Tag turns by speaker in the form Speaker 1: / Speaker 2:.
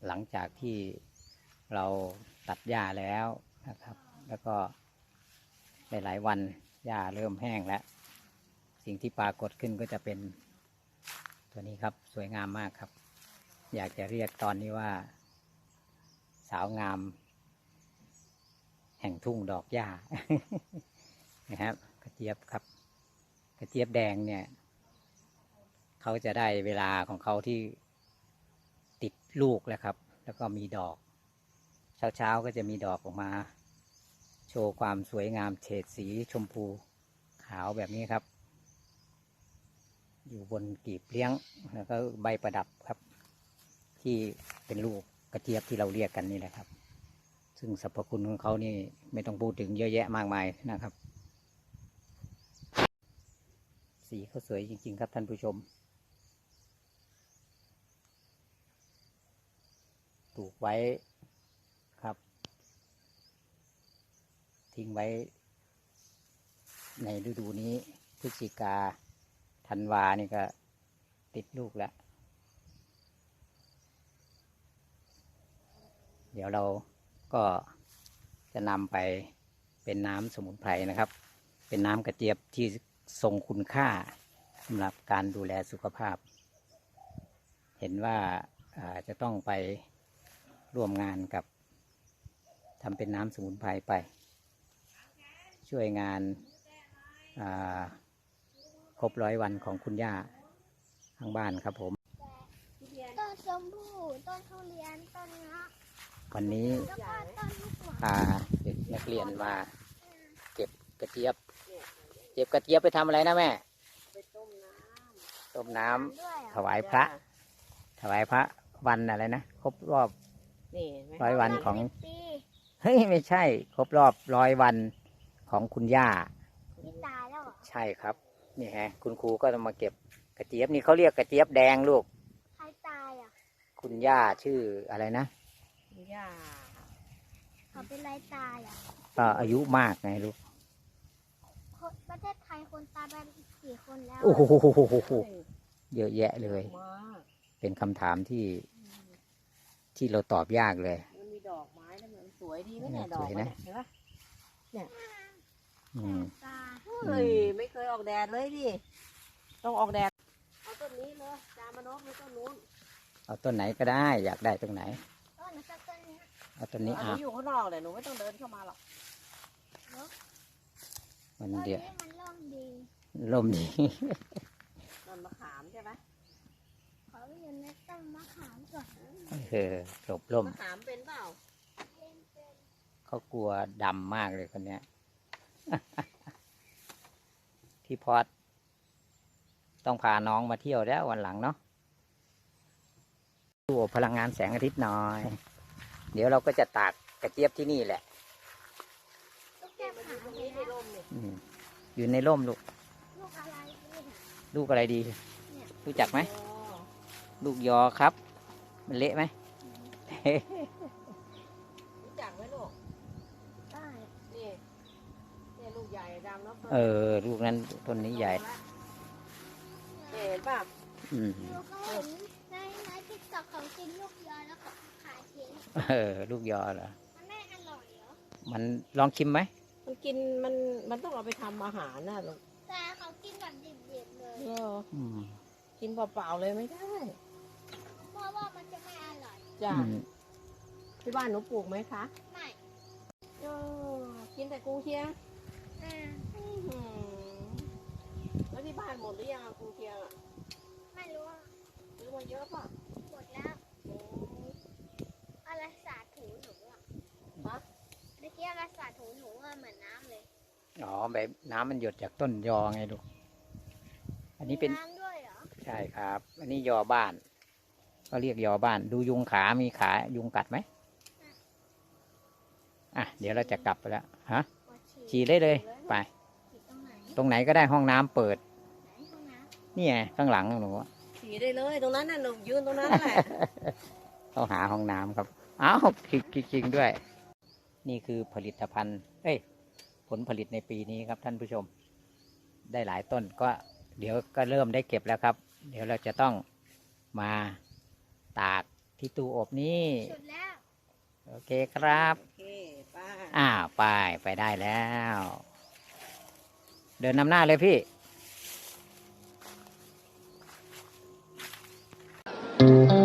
Speaker 1: หลังจากที่เราตัดหญ้าแล้วนะครับ แล้วก็หลายๆวันหญ้าเริ่มแห้งแล้วสิ่งที่ปรากฏขึ้นก็จะเป็นตัวนี้ครับสวยงามมากครับ อยากจะเรียกตอนนี้ว่าสาวงามแห่งทุ่งดอกหญ้า นะครับกระเจี๊ยบครับกระเจี๊ยบแดงเนี่ยเขาจะได้เวลาของเขาที่ติดลูกแล้วครับแล้วก็มีดอกเช้าก็จะมีดอกออกมาโชว์ความสวยงามเฉดสีชมพูขาวแบบนี้ครับอยู่บนกีบเลี้ยงแล้วก็ใบประดับครับที่เป็นลูกกระเจี๊ยบที่เราเรียกกันนี่แหละครับซึ่งสรรพคุณของเขานี่ไม่ต้องพูดถึงเยอะแยะมากมายนะครับสีเขาสวยจริงๆครับท่านผู้ชมปลูกไว้ครับทิ้งไว้ในฤดูนี้พฤศจิกาธันวานี่ก็ติดลูกแล้วเดี๋ยวเราก็จะนำไปเป็นน้ำสมุนไพรนะครับเป็นน้ำกระเจี๊ยบที่ทรงคุณค่าสำหรับการดูแลสุขภาพเห็นว่าจะต้องไปร่วมงานกับทำเป็นน้ำสมุนไพรไปช่วยงานครบ100 วันของคุณย่าข้างบ้านครับผม
Speaker 2: ต้นชมพู่ต้นทุเรียนต้นเงาะ
Speaker 1: วันนี้พาเด็กนักเรียนมาเก็บกระเจี๊ยบเก็บกระเจี๊ยบไปทำอะไรนะแม่
Speaker 3: ไป
Speaker 1: ต้มน้ำถวายพระวันอะไรนะครบรอบ100 วันของเฮ้ยไม่ใช่ครบรอบ100 วันของคุณย่า
Speaker 2: ที่ตายแล้ว
Speaker 1: ใช่ครับนี่ฮะคุณครูก็จะมาเก็บกระเจี๊ยบนี่เขาเรียกกระเจี๊ยบแดงลูก
Speaker 2: ใครตายอ่ะ
Speaker 1: คุณย่าชื่ออะไรนะ
Speaker 3: คุณย่า
Speaker 2: เขาเป็นไรตายอ่ะ
Speaker 1: ก็อายุมากไงลูก
Speaker 2: ประเทศไทยคนตายไปกี่คนแล้ว
Speaker 1: โอ้โหเยอะแยะเลยเป็นคำถามที่เราตอบยากเลย
Speaker 3: มันมีดอกไม้แล้วมันสวยดีไหมเนี่ยดอกเนี่ยเห็นปะเนี่ยเฮ้ยไม่เคยออกแดดเลยดิต้องออกแดดเอาต้นนี้เลยจามานกหรือต้นนู้น
Speaker 1: เอาต้นไหนก็ได้อยากได้ตรงไหน
Speaker 2: ต้นนี้
Speaker 1: เอาต้นนี้
Speaker 3: หนูอยู่ข้างนอกเลยหนูไม่ต้องเดินเข้ามาหรอก
Speaker 1: มันเดี๋ยว
Speaker 2: มันร่มดี
Speaker 3: ต้นมะขามใช่ไหม
Speaker 2: เขาอยู่ในต้นมะขามก่อน
Speaker 1: หลบร่ม
Speaker 3: มะขามเป็นเปล่า
Speaker 1: เขากลัวดำมากเลยคนเนี้ยพี่พอดต้องพาน้องมาเที่ยวแล้ววันหลังเนาะดูพลังงานแสงอาทิตย์หน่อยเดี๋ยวเราก็จะตากกระเจี๊ยบที่นี่แหละอยู่ในร่มลูกลูกอะไรดีรู้จักไหมลูกยอครับมันเละไหม
Speaker 3: รู้จักไหมลูก
Speaker 2: ได้
Speaker 3: นี่ลูกใหญ่ดำแล้ว
Speaker 1: ลูกนั้นต้นนี้ใหญ่
Speaker 3: เห็นป่ะ
Speaker 2: ลูกก็เห็นในติ๊กต็อกของกินลูกยอแล้วก็ขายทิ้ง
Speaker 1: ลูกยอเหรอ
Speaker 2: มันไม่อร่อยเหรอ
Speaker 1: มันลองชิมไหม
Speaker 3: มันกินมันต้องเอาไปทำอาหารนะลูก
Speaker 2: แต่เขากินแบบดิบๆเลย
Speaker 3: กินเปล่าๆเลยไม่ได้
Speaker 2: เพราะว่ามันจะไม่อร่อย
Speaker 3: จ้ะที่บ้านหนูปลูกไหมคะ
Speaker 2: ไม่
Speaker 3: กินแต่กุ้งเชียงแล้วที่บ้านหมดหรือยังกุ้งเชียงอ่ะ
Speaker 2: ไม่รู้
Speaker 3: ซื้อมาเยอะป่ะ
Speaker 2: หมดแล้วอะไรสาดถูหนูอ่ะเมื่อกี้อะไรสาดถูหนูเหมือนน้ำเลย
Speaker 1: แบบน้ำมันหยดจากต้นยอไงลูกอันนี้เป็น
Speaker 2: น้ำด้วยเหรอ
Speaker 1: ใช่ครับอันนี้ยอบ้านก็เรียกยอบ้านดูยุงขามีขายุงกัดไหมเดี๋ยวเราจะกลับไปแล้วฉี่ได้เลยไปตรงไหนก็ได้ห้องน้ำเปิดนี่ไงข้างหลังหนู
Speaker 3: ฉี่ได้เลยตรงนั้นน่ะหนูยืนตรงนั้นแหละ
Speaker 1: ต้องหาห้องน้ำครับอ้าวจริงด้วยนี่คือผลิตภัณฑ์ผลผลิตในปีนี้ครับท่านผู้ชมได้หลายต้นก็เดี๋ยวก็เริ่มได้เก็บแล้วครับเดี๋ยวเราจะต้องมาตากที่ตู้อบนี่
Speaker 2: สุดแล้ว
Speaker 1: โอเคครับ
Speaker 3: โอเคป้า
Speaker 1: ไปได้แล้ว เดินนำหน้าเลยพี่
Speaker 2: เ